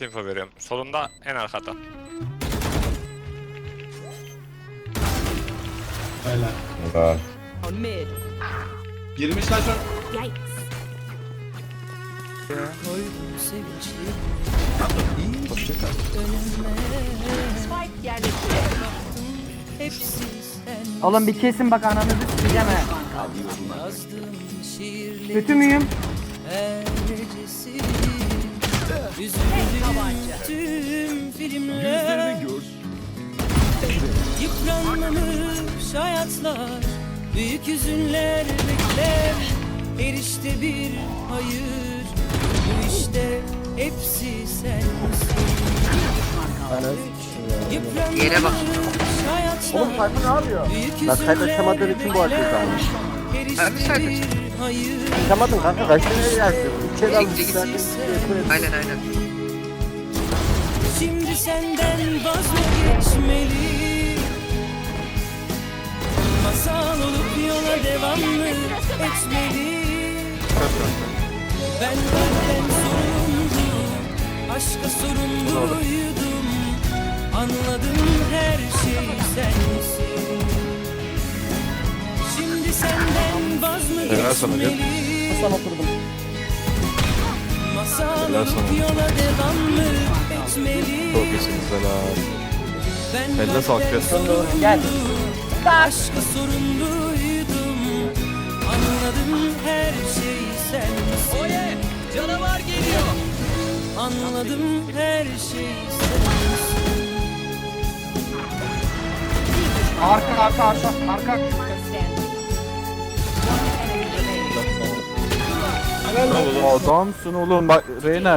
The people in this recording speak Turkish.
Info veriyorum. Solunda en arkada. Öyle. Helal. On mid. Girmiş lan şu. Yikes. Spike yerleştirildi. Oğlum bir kesin bak ananızı sikeceğim he. Kötü müyüm? Tek tabanca. Yüzlerini gör. Yıpranmamış hayatlar, büyük hüzünler bekler. Erişte bir hayır, bu işte hepsi sensin. Yere bak. Hayatlar, Oğlum Tayfun ne yapıyor? büyük Lan kayıt açamadığın için bu açıyor bekler. sana. Erişte bir hayır, Açamadın kanka kaç tane yersin? Bir şey almış Aynen. Şimdi senden vazgeçmeli. Masal olup yola devam mı etmeli? Ben benden sorumluydum, aşka sorumluydum. Anladım her şey sensin. Şimdi senden vaz mı geçmeli? Sana oturdum. Masal olup yola devam mı etmeli? Çok iyisiniz helal. Ben Elle sağlık ya. Gel. aşka sorumluydum. Anladım her şey sensin. Oye, canavar geliyor. Anladım her şey sensin. Arka. Enemy remaining. Adamsın oğlum bak Reyna